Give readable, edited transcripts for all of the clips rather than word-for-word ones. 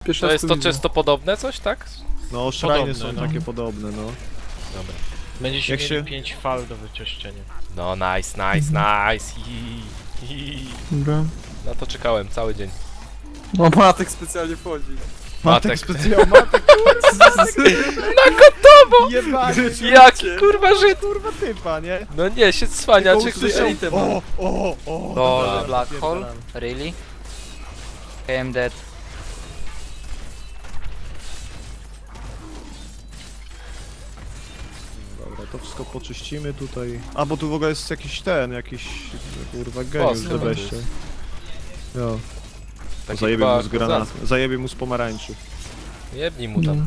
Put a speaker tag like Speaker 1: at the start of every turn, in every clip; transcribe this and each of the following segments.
Speaker 1: Pierwszy
Speaker 2: To
Speaker 1: raz
Speaker 2: jest
Speaker 1: tu
Speaker 2: to
Speaker 1: widzę.
Speaker 2: czysto podobne coś, tak?
Speaker 3: No, szrajny
Speaker 4: Podobne,
Speaker 3: są
Speaker 4: no.
Speaker 3: takie podobne, no.
Speaker 2: Dobra.
Speaker 4: Będziecie
Speaker 3: Jak
Speaker 4: mieli
Speaker 3: się-
Speaker 4: 5 fal do wyczyszczenia.
Speaker 2: No nice. Hi.
Speaker 1: Dobra.
Speaker 2: Na to czekałem cały dzień.
Speaker 1: O, Matek specjalnie wchodzi.
Speaker 2: Matek.
Speaker 3: specjalnie, Matek,
Speaker 2: Na gotowo!
Speaker 3: jebany,
Speaker 2: Jaki kurwa Żyd!
Speaker 3: kurwa typa, nie?
Speaker 2: No nie, się cwania,
Speaker 3: Tylko
Speaker 2: czy
Speaker 3: usłyszał-
Speaker 1: elitę ma.
Speaker 3: o,
Speaker 5: No,
Speaker 3: dobra,
Speaker 5: Black Hole?
Speaker 3: napierdalam.
Speaker 5: Really? I am dead.
Speaker 3: Dobra, to wszystko poczyścimy tutaj. A, bo tu w ogóle jest jakiś kurwa, geniusz
Speaker 2: Boss
Speaker 3: z
Speaker 2: chyba
Speaker 3: wejścia. Jo,
Speaker 2: Taki
Speaker 3: zajebie mu z
Speaker 2: chyba
Speaker 3: granatu,
Speaker 2: kozacki.
Speaker 3: zajebie mu z pomarańczy,
Speaker 2: Jebnij mu tam.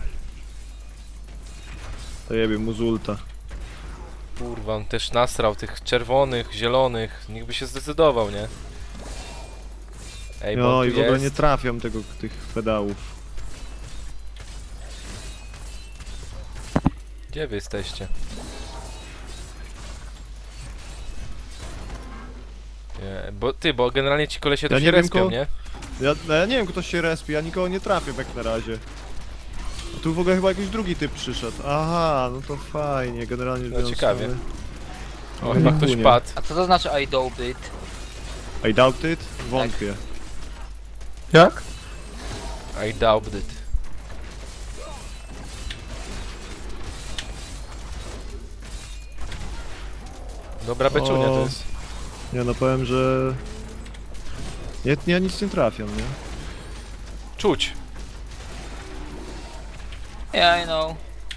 Speaker 3: zajebie mu z ulta.
Speaker 2: Kurwa, on też nasrał tych czerwonych, zielonych. Nikt by się zdecydował, nie? Ej, bo
Speaker 3: No
Speaker 2: on
Speaker 3: i
Speaker 2: tu
Speaker 3: w ogóle
Speaker 2: jest.
Speaker 3: nie trafiam tych pedałów.
Speaker 2: Gdzie wy jesteście? Nie, bo generalnie ci kolesie tu
Speaker 3: Ja
Speaker 2: się
Speaker 3: nie wiem,
Speaker 2: respią, nie?
Speaker 3: Ja nie wiem, kto się respi, ja nikogo nie trafię jak na razie. A tu w ogóle chyba jakiś drugi typ przyszedł. Aha, no to fajnie, generalnie
Speaker 2: No,
Speaker 3: biorąc,
Speaker 2: ciekawie.
Speaker 3: mamy-
Speaker 2: O, chyba ktoś
Speaker 3: Chunie.
Speaker 2: padł.
Speaker 5: A co to znaczy I doubt it?
Speaker 3: I doubt it? Wątpię.
Speaker 1: Jak?
Speaker 2: I doubt it. Dobra beczunia to
Speaker 3: O.
Speaker 2: jest.
Speaker 3: Nie no, powiem, że... Ja nic nie trafiam, nie?
Speaker 2: Czuć.
Speaker 5: Yeah, I know.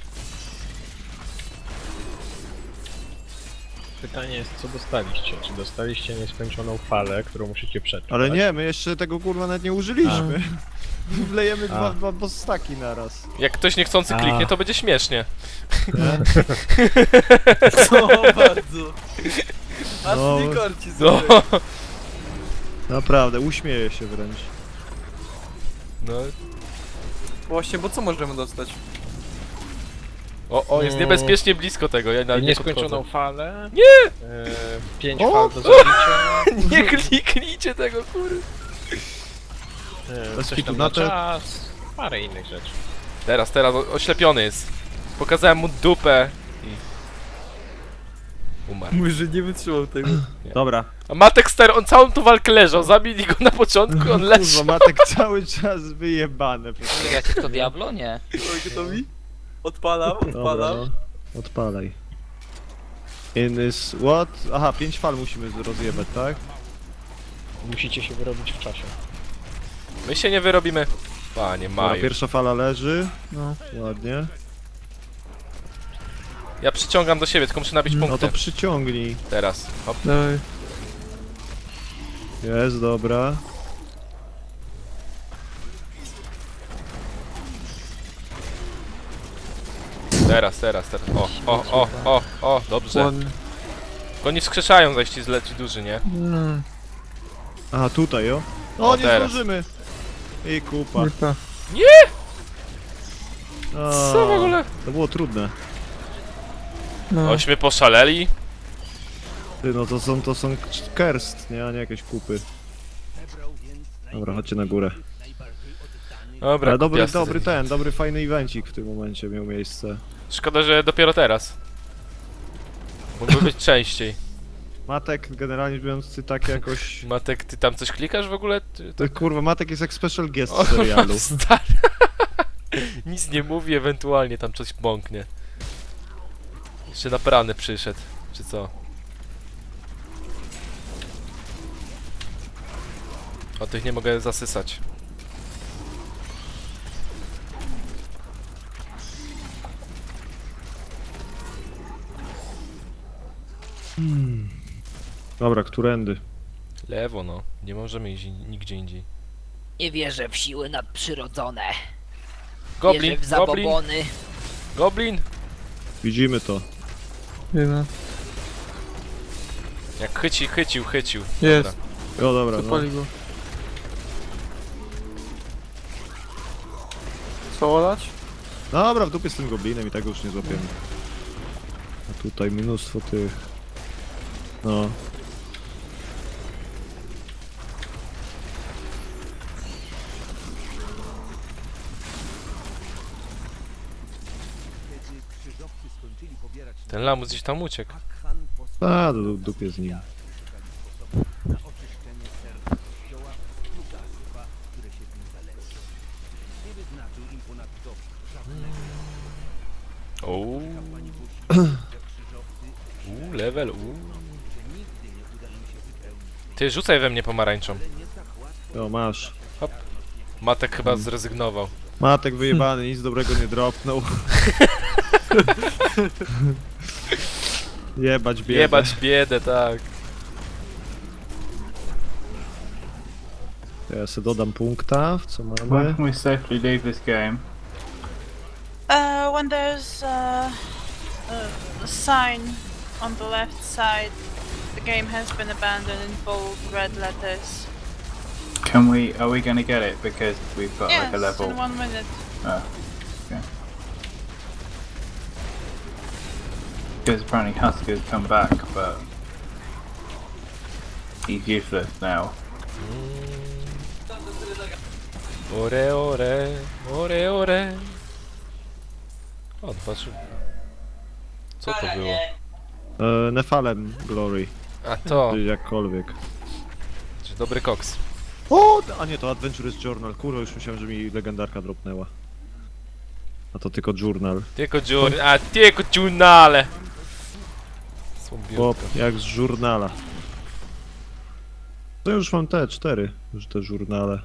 Speaker 4: Pytanie jest, co dostaliście? Czy dostaliście nieskończoną falę, którą musicie przetrwać?
Speaker 3: Ale nie, my jeszcze tego kurwa nawet nie użyliśmy. Wlejemy dwa bossaki naraz.
Speaker 2: Jak ktoś niechcący
Speaker 4: A.
Speaker 2: kliknie, to będzie śmiesznie.
Speaker 1: Co bardzo. Aż
Speaker 3: No.
Speaker 1: mnie korci
Speaker 2: No,
Speaker 1: sobie.
Speaker 3: Naprawdę, uśmieję się wręcz.
Speaker 2: no.
Speaker 1: Właśnie, bo co możemy dostać?
Speaker 2: O, jest niebezpiecznie blisko tego, ja nawet nie
Speaker 4: Nieskończoną
Speaker 2: podchodzę.
Speaker 4: falę.
Speaker 2: Nie!
Speaker 4: 5
Speaker 3: O!
Speaker 4: fal do zabicia.
Speaker 2: Nie kliknijcie tego, kurde.
Speaker 3: Bez
Speaker 4: Coś
Speaker 3: kitu
Speaker 4: tam
Speaker 3: na
Speaker 4: na
Speaker 3: te-
Speaker 4: czas. Parę innych rzeczy.
Speaker 2: Teraz, oślepiony jest. Pokazałem mu dupę i... Umarł.
Speaker 1: Mówi, że nie wytrzymał tego.
Speaker 3: Dobra.
Speaker 2: A Matek Ster, on całą tą walkę leżał, zabili go na początku, on
Speaker 3: Kurwa,
Speaker 2: leżał.
Speaker 3: Matek cały czas wyjebane.
Speaker 5: Gracie w to Diablo? Nie.
Speaker 1: Oj, gotowi? Odpalam,
Speaker 3: Dobra,
Speaker 1: odpalam.
Speaker 3: no. Odpalaj. In is what? Aha, 5 fal musimy rozjebać, tak?
Speaker 4: Musicie się wyrobić w czasie.
Speaker 2: My się nie wyrobimy. Panie
Speaker 3: Dobra,
Speaker 2: Maju.
Speaker 3: pierwsza fala leży.
Speaker 1: No.
Speaker 3: Ładnie.
Speaker 2: Ja przyciągam do siebie, tylko muszę nabić
Speaker 3: No
Speaker 2: punkty.
Speaker 3: to przyciągnij.
Speaker 2: Teraz. Hop.
Speaker 1: Dawaj.
Speaker 3: Jest, dobra.
Speaker 2: Teraz. O, dobrze.
Speaker 1: Ładnie.
Speaker 2: Oni wskrzeszają zaś ci zleci duży, nie?
Speaker 1: Mm,
Speaker 3: Aha, tutaj, o.
Speaker 2: O,
Speaker 3: O, nie
Speaker 2: teraz.
Speaker 3: zdążymy. I kupa.
Speaker 1: lipa.
Speaker 3: A,
Speaker 2: Co w ogóle?
Speaker 3: To było trudne.
Speaker 1: No.
Speaker 2: Ośmy poszaleli.
Speaker 3: Ty, no to są kerst, nie? A nie jakieś kupy. Dobra, chodźcie na górę.
Speaker 2: Dobra,
Speaker 3: Ale
Speaker 2: kupiasty.
Speaker 3: dobry fajny evencik w tym momencie miał miejsce.
Speaker 2: Szkoda, że dopiero teraz. Mógłby być częściej.
Speaker 3: Matek, generalnie biorąc, ty tak jakoś...
Speaker 2: Matek, ty tam coś klikasz w ogóle?
Speaker 3: To, kurwa, Matek jest jak special guest
Speaker 2: O,
Speaker 3: w serialu.
Speaker 2: stary. Nic nie mówi, ewentualnie tam coś bąknie. Jeszcze na prany przyszedł, czy co? O tych nie mogę zasysać.
Speaker 3: Dobra, którędy?
Speaker 2: Lewo no, nie możemy iść nigdzie indziej.
Speaker 5: Nie wierzę w siły nadprzyrodzone.
Speaker 2: Goblin,
Speaker 5: Wierzę w
Speaker 2: goblin,
Speaker 5: zabobony.
Speaker 2: goblin!
Speaker 3: Widzimy to.
Speaker 1: Jedna.
Speaker 2: Jak chycił.
Speaker 1: Jest.
Speaker 2: Dobra.
Speaker 3: O, dobra, no.
Speaker 1: Zapali go. Co olać?
Speaker 3: Dobra, w dupie z tym goblinem i tak go już nie złapiemy. A tutaj mnóstwo tych... No.
Speaker 2: Ten lamus gdzieś tam uciekł.
Speaker 3: A, do dupie z nim.
Speaker 2: Uuu. Level, Ty, rzucaj we mnie pomarańczą.
Speaker 3: O, masz.
Speaker 2: Matek chyba zrezygnował.
Speaker 3: Matek wyjebany, nic dobrego nie dropnął. Jebać biedę.
Speaker 2: Jebać biedę, tak.
Speaker 3: Ja sobie dodam punkta, w co
Speaker 6: Where
Speaker 3: mamy.
Speaker 6: can we safely leave this game?
Speaker 7: When there's a sign on the left side, the game has been abandoned in bold red letters.
Speaker 6: Can we? Are we going to get it because we've got
Speaker 7: Yes,
Speaker 6: like a level?
Speaker 7: in 1 minute.
Speaker 6: Oh, okay. Because apparently Husker's come back, but he's useless now.
Speaker 2: Ore, ore, ore, ore. O, patrz. Co to było?
Speaker 3: Nefalem Glory,
Speaker 2: A to,
Speaker 3: czy jakkolwiek.
Speaker 2: czy dobry koks.
Speaker 3: O, a nie, to Adventurous Journal. Kurwa, już myślałem, że mi legendarka dropnęła. A to tylko journal.
Speaker 2: Tylko giornale.
Speaker 3: Chłop, jak z żurnala. To już mam te 4, już te żurnale.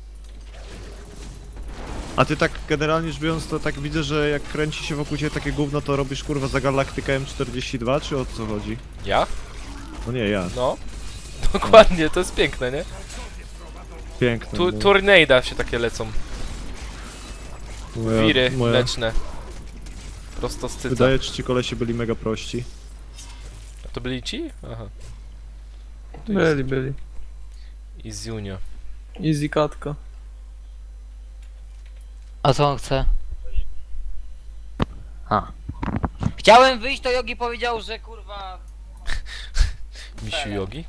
Speaker 3: A ty tak generalnie rzecz biorąc, to tak widzę, że jak kręci się wokół ciebie takie gówno, to robisz kurwa za Galaktykę M42, czy o co chodzi?
Speaker 2: Ja?
Speaker 3: No nie, ja.
Speaker 2: No. Dokładnie, to jest piękne, nie?
Speaker 3: Piękne. no.
Speaker 2: Tornada się takie lecą. Wiry mleczne. Prosto z cyca.
Speaker 3: Wydaje, że ci kolesie byli mega prości.
Speaker 2: A to byli ci? Aha.
Speaker 1: Byli.
Speaker 2: I z Junio.
Speaker 1: Easy katka.
Speaker 5: A co on chce? Chciałem wyjść, to Yogi powiedział, że kurwa...
Speaker 2: Misiu Jogi?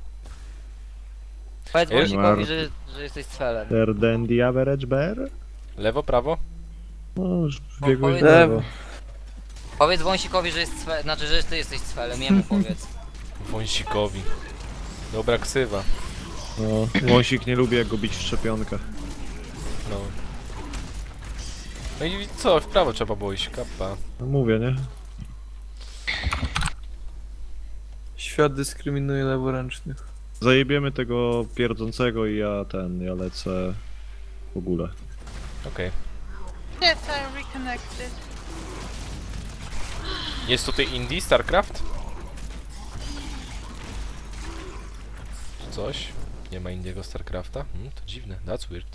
Speaker 5: Powiedz
Speaker 2: Wiesz?
Speaker 5: Wąsikowi, że jesteś cfelem.
Speaker 3: Better than the average bear?
Speaker 2: Lewo, prawo?
Speaker 3: No, już biegłeś
Speaker 5: powiedz-
Speaker 3: w lewo.
Speaker 5: Powiedz Wąsikowi, że jest cfelem, znaczy, że ty jesteś cfelem, jemu powiedz.
Speaker 2: Wąsikowi. Dobra ksywa.
Speaker 3: No, Wąsik nie lubi jak go bić w szczepionkę.
Speaker 2: No. No i co? W prawo trzeba było iść, kappa.
Speaker 3: No mówię, nie?
Speaker 1: Świat dyskryminuje leworęcznych.
Speaker 3: Zajebiemy tego pierdzącego i ja lecę w ogóle.
Speaker 2: Okej.
Speaker 7: Yes, I reconnected.
Speaker 2: Jest tutaj Indie, StarCraft? Czy coś? Nie ma Indiego StarCrafta? To dziwne, that's weird.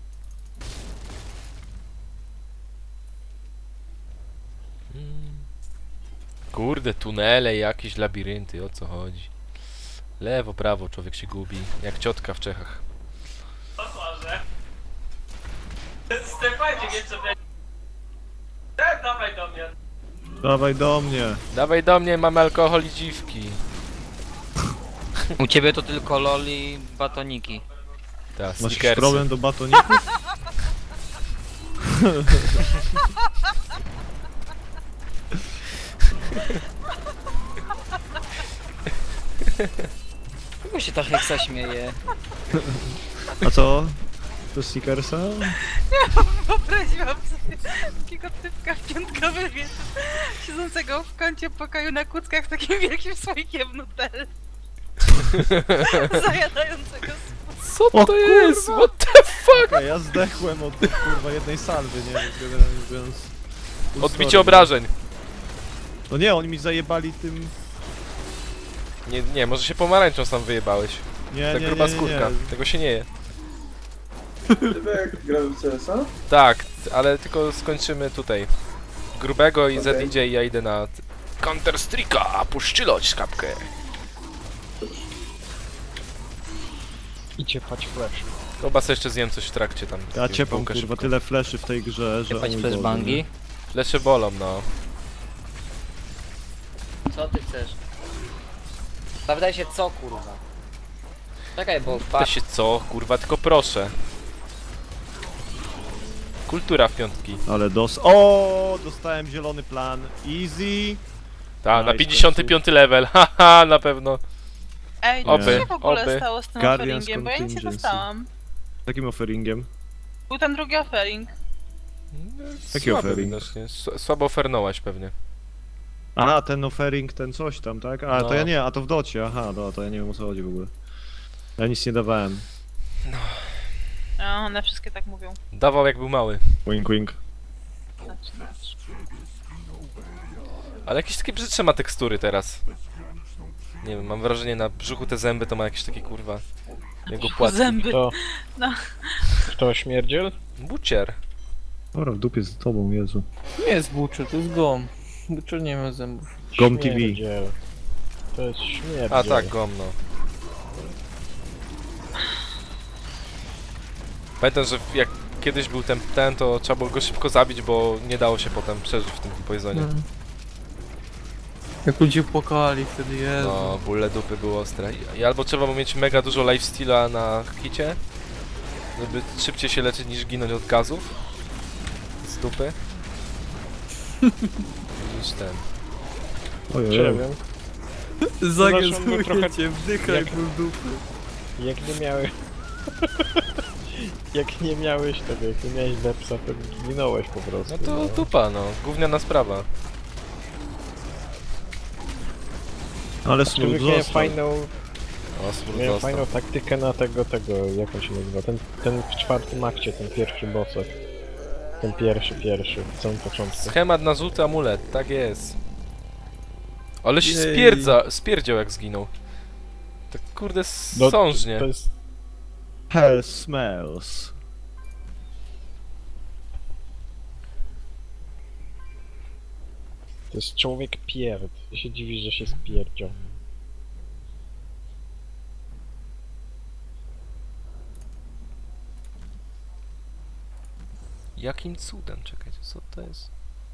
Speaker 2: Kurde, tunele, jakieś labirynty, o co chodzi? Lewo, prawo, człowiek się gubi, jak ciotka w Czechach.
Speaker 8: Stefanie, nie co dawaj do mnie.
Speaker 3: Dawaj do mnie!
Speaker 2: Dawaj do mnie, mamy alkohol i dziwki.
Speaker 5: U ciebie to tylko loli, batoniki.
Speaker 2: Ta,
Speaker 3: Masz jakiś
Speaker 2: sneakersy.
Speaker 3: problem do batoników?
Speaker 5: Czego się ta heksa śmieje?
Speaker 3: A co? To Stickersa?
Speaker 7: Wyobraziłam sobie takiego typka w piątkowy wieczór, siedzącego w kącie pokoju na kuckach takim wielkim słoikiem Nutelli. Zajadającego
Speaker 2: Co
Speaker 3: O
Speaker 2: to jest?
Speaker 3: kurwa!
Speaker 2: What the fuck?
Speaker 3: Ja zdechłem od kurwa jednej salwy, nie? Więc generalnie mówiąc... full
Speaker 2: Odbicie
Speaker 3: story.
Speaker 2: obrażeń.
Speaker 3: No nie, oni mi zajebali tym...
Speaker 2: Nie, może się pomarańczą sam wyjebałeś.
Speaker 3: Nie,
Speaker 2: Ta
Speaker 3: nie,
Speaker 2: gruba
Speaker 3: nie, nie,
Speaker 2: skórka.
Speaker 3: nie.
Speaker 2: Tego się nie je.
Speaker 9: Jak grałem w CS-a?
Speaker 2: Tak, ale tylko skończymy tutaj. Grubego i
Speaker 9: Okej.
Speaker 2: Z idzie i ja idę na Counter Strike'a, puszczyloć kapkę.
Speaker 4: Idzie pać flash.
Speaker 2: Chyba sobie jeszcze zjem coś w trakcie tam.
Speaker 3: Ja ciepam
Speaker 2: Bułkę
Speaker 3: kurwa,
Speaker 2: szybko.
Speaker 3: tyle fleszy w tej grze, że...
Speaker 5: Ciepać
Speaker 3: o mój
Speaker 5: flashbangi?
Speaker 3: Boże,
Speaker 2: Lesze bolą, no.
Speaker 5: Co ty chcesz? Zapytaj się co kurwa. Czekaj, bo
Speaker 2: To się co? Kurwa, tylko proszę. Kultura w piątki.
Speaker 3: nie? Ale O, dostałem zielony plan. Easy.
Speaker 2: Ta, na
Speaker 3: Nice,
Speaker 2: 55 level, haha, na pewno.
Speaker 7: Ej,
Speaker 2: Oby,
Speaker 7: co się w ogóle
Speaker 2: oby.
Speaker 7: stało z tym
Speaker 3: Guardians
Speaker 7: offeringiem? Bo ja nic nie
Speaker 3: Contingency.
Speaker 7: dostałam.
Speaker 3: Takim offeringiem.
Speaker 7: Był ten drugi offering.
Speaker 3: Jaki
Speaker 2: Słaby
Speaker 3: offering?
Speaker 2: widocznie, słabo ofernować pewnie.
Speaker 3: A, ten offering, ten coś tam, tak? A,
Speaker 2: No.
Speaker 3: to ja nie, a to w docie, aha, no, to ja nie wiem o co chodzi w ogóle. Ja nic nie dawałem.
Speaker 7: No, one wszystkie tak mówią.
Speaker 2: Dawał jak był mały.
Speaker 3: Wink, wink.
Speaker 7: Znaczy.
Speaker 2: Ale jakieś takie brzydsze ma tekstury teraz. Nie wiem, mam wrażenie na brzuchu te zęby to ma jakieś takie kurwa... Jego płatki.
Speaker 7: Zęby.
Speaker 4: To...
Speaker 7: No.
Speaker 4: To śmierdziel?
Speaker 2: Bucier.
Speaker 3: Dobra, w dupie z tobą, Jezu.
Speaker 1: Nie jest Butcher, to jest Gom. Butcher nie ma zębów.
Speaker 3: Gom TV.
Speaker 4: Śmierdziel. To jest śmierdziel.
Speaker 2: A tak, gomno. Pamiętam, że jak kiedyś był ten, to trzeba było go szybko zabić, bo nie dało się potem przeżyć w tym poisonie.
Speaker 1: Mm. Jak ludzie płakali wtedy, Jezu.
Speaker 2: No, bóle dupy były ostre. I albo trzeba było mieć mega dużo lifesteala na hicie, żeby szybciej się leczyć niż ginąć od gazów z dupy. Niż ten.
Speaker 3: Ojej.
Speaker 4: Nie wiem.
Speaker 1: Zagazuję
Speaker 4: trochę-
Speaker 1: cię, wdychaj
Speaker 4: jak-
Speaker 1: ból dupy.
Speaker 4: Jak nie miałeś... jak nie miałeś tego, jak nie miałeś depsa, to ginąłeś po prostu.
Speaker 2: No to dupa, no. Gówniana sprawa.
Speaker 3: Ale
Speaker 4: Człowiek
Speaker 3: smooth
Speaker 4: miałem
Speaker 3: został.
Speaker 4: fajną,
Speaker 2: O, smród
Speaker 4: miałem
Speaker 2: dostał.
Speaker 4: fajną taktykę na tego, jak on się nazywa, ten w czwartym akcie, ten pierwszy bossek. Ten pierwszy, w samym początku.
Speaker 2: Schemat na żółty amulet, tak jest. Ale się
Speaker 1: Jej.
Speaker 2: spierdział jak zginął. Tak kurde
Speaker 4: No,
Speaker 2: sążnie.
Speaker 4: To jest...
Speaker 3: Hell smells.
Speaker 4: To jest człowiek pierd. Ty się dziwisz, że się spierdział.
Speaker 2: Jakim cudem? Czekajcie, co to jest?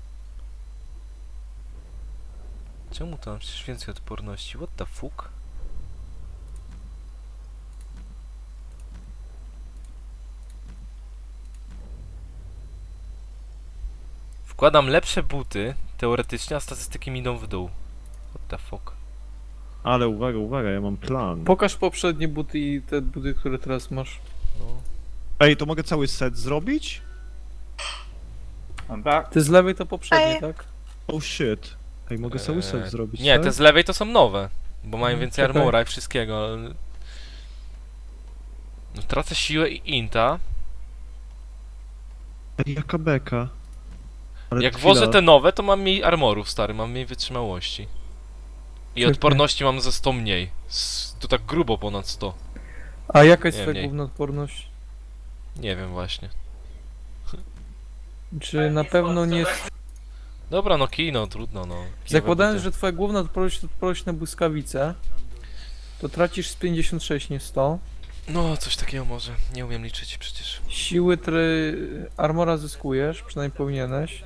Speaker 2: Czemu to mam przecież więcej odporności? What the fuck? Wkładam lepsze buty, teoretycznie, a statystyki mi idą w dół. What the fuck?
Speaker 3: Ale uwaga, ja mam plan.
Speaker 1: Pokaż poprzednie buty i te buty, które teraz masz.
Speaker 2: No.
Speaker 3: Ej, to mogę cały set zrobić?
Speaker 6: I'm back.
Speaker 1: Ty z lewej to poprzednie,
Speaker 7: Ej.
Speaker 1: tak?
Speaker 3: Oh shit. Ej, mogę cały set zrobić,
Speaker 2: Nie,
Speaker 3: tak?
Speaker 2: te z lewej to są nowe, bo mają
Speaker 1: Mm,
Speaker 2: więcej
Speaker 1: czekaj.
Speaker 2: armora i wszystkiego, ale... No, tracę siłę i inta.
Speaker 3: Ej, jaka beka. Ale
Speaker 2: Jak
Speaker 3: chwila.
Speaker 2: włożę te nowe, to mam mniej armorów, stary, mam mniej wytrzymałości. I
Speaker 1: Czekaj.
Speaker 2: odporności mam ze 100 mniej. To tak grubo ponad 100.
Speaker 1: A jaka jest
Speaker 2: Nie,
Speaker 1: twoja
Speaker 2: mniej.
Speaker 1: główna odporność?
Speaker 2: Nie wiem właśnie.
Speaker 1: Czy na pewno nie jest...
Speaker 2: Dobra, no kino, trudno, no. Kijowe
Speaker 1: Zakładając,
Speaker 2: buty.
Speaker 1: że twoja główna odporność to odporność na błyskawice, to tracisz z 56, nie 100.
Speaker 2: No, coś takiego może. Nie umiem liczyć przecież.
Speaker 1: Siły armora zyskujesz, przynajmniej powinieneś.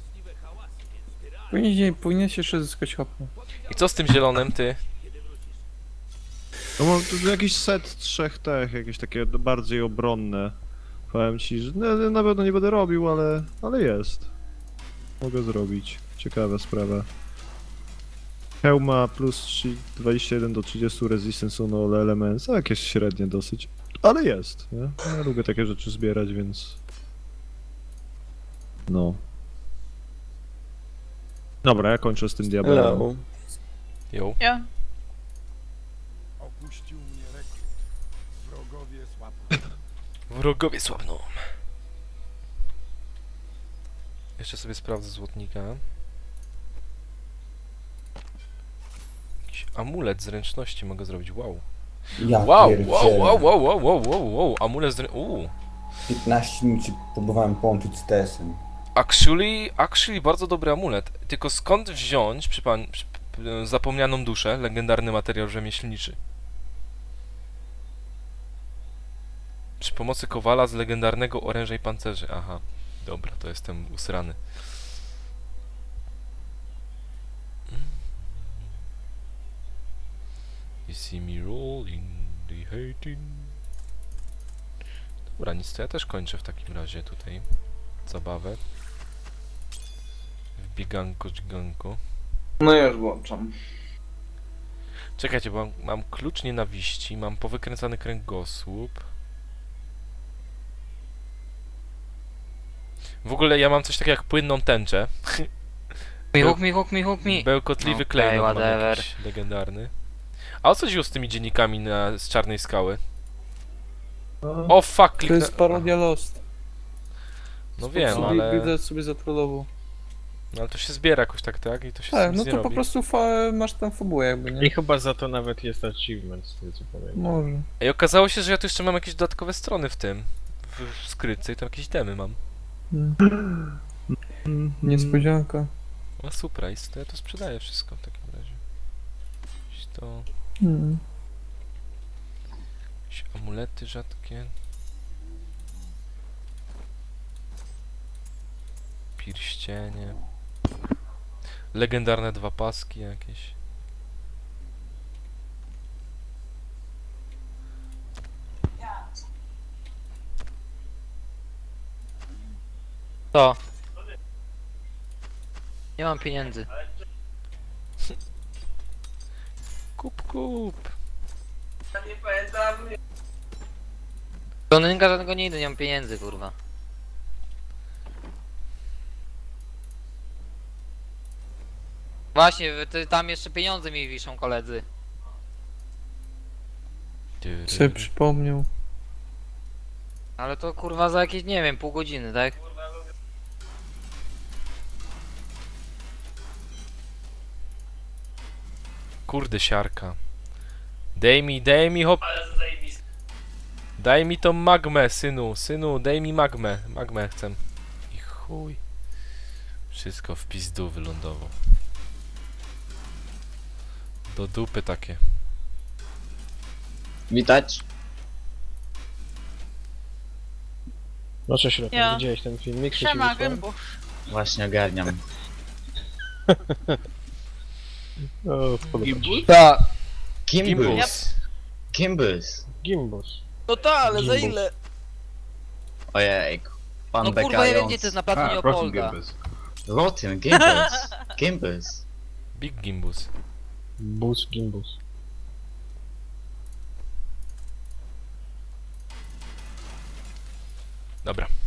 Speaker 1: Powinieneś jeszcze zyskać HP.
Speaker 2: I co z tym zielonym, ty?
Speaker 3: No mam tu jakiś set trzech tech, jakieś takie bardziej obronne. Powiem ci, że na pewno nie będę robił, ale jest. Mogę zrobić. Ciekawa sprawa. Hełma plus 21 do 30 resistance on all elements, a jakieś średnie dosyć. Ale jest, nie? Ja lubię takie rzeczy zbierać, więc... No. Dobra, ja kończę z tym diabelem.
Speaker 2: Jo.
Speaker 7: Ja.
Speaker 8: Opuścił mnie rekrut. Wrogowie słabną.
Speaker 2: Wrogowie słabną. Jeszcze sobie sprawdzę złotnika. Jakiś amulet zręczności mogę zrobić, wow.
Speaker 9: Ja
Speaker 2: Wow,
Speaker 9: pierdzielę.
Speaker 2: wow, amulet zręczności,
Speaker 9: 15 minut się próbowałem połączyć z TS-em.
Speaker 2: Actually bardzo dobry amulet. Tylko skąd wziąć zapomnianą duszę, legendarny materiał rzemieślniczy? Przy pomocy kowala z legendarnego oręża i pancerzy. Aha, dobra, to jestem usrany. You see me rolling, the hating. Dobra, nic, to ja też kończę w takim razie tutaj zabawę. W bieganko, dźganko.
Speaker 10: No już włączam.
Speaker 2: Czekajcie, bo mam klucz nienawiści, mam powykręcany kręgosłup. W ogóle ja mam coś takiego jak płynną tęczę.
Speaker 5: Hook me.
Speaker 2: Bełkotliwy
Speaker 5: Okej,
Speaker 2: klejnot mam
Speaker 5: whatever.
Speaker 2: jakiś legendarny. A o co chodziło z tymi dziennikami z Czarnej Skały? O fuck,
Speaker 1: To
Speaker 2: kliknę...
Speaker 1: jest parodia Lost.
Speaker 2: No wiem,
Speaker 1: Sobie,
Speaker 2: ale...
Speaker 1: Gryzet sobie zatrollował.
Speaker 2: No ale to się zbiera jakoś tak? I to się
Speaker 1: Tak,
Speaker 2: nic
Speaker 1: no
Speaker 2: nie
Speaker 1: to po
Speaker 2: robi.
Speaker 1: prostu masz tam fabułę jakby,
Speaker 4: I
Speaker 1: nie?
Speaker 4: chyba za to nawet jest achievement, z tego co pamiętam.
Speaker 1: Może.
Speaker 2: I okazało się, że ja tu jeszcze mam jakieś dodatkowe strony w tym. W skrytce i tam jakieś demy mam.
Speaker 1: Niespodzianka.
Speaker 2: A surprise, to ja to sprzedaję wszystko w takim razie. Jakieś to...
Speaker 1: Mm.
Speaker 2: Jakieś amulety rzadkie. Pierścienie. Legendarne 2 paski jakieś.
Speaker 5: To. Nie mam pieniędzy.
Speaker 2: Kup.
Speaker 5: Żonynka żadnego nie idę, nie mam pieniędzy, kurwa. Właśnie, tam jeszcze pieniądze mi wiszą, koledzy.
Speaker 1: Sobie przypomniał.
Speaker 5: Ale to kurwa za jakieś, nie wiem, pół godziny, tak?
Speaker 2: Kurde siarka. Daj mi hop. Daj mi tą magmę, synu, daj mi magmę. Magmę chcę. I chuj. Wszystko w pizdu wylądowało. Do dupy takie.
Speaker 11: Witać.
Speaker 4: No cześć, Rotem,
Speaker 7: Ja.
Speaker 4: widziałeś ten filmik? co ci
Speaker 7: Siema,
Speaker 4: wysłałem?
Speaker 7: gębu.
Speaker 11: Właśnie ogarniam.
Speaker 4: O, podoba ci się.
Speaker 5: Tak.
Speaker 11: Gimbus. Gimbus.
Speaker 4: Gimbus.
Speaker 5: No ta, ale za
Speaker 4: Gimbus.
Speaker 5: ile?
Speaker 11: Ojejku. Pan
Speaker 5: No kurwa, ja wiem gdzie to jest na placu
Speaker 6: Rotten
Speaker 5: Leopolda.
Speaker 6: Gimbus.
Speaker 11: Rotten, Gimbus. Gimbus.
Speaker 2: Big Gimbus.
Speaker 4: Gimbus.
Speaker 2: Dobra.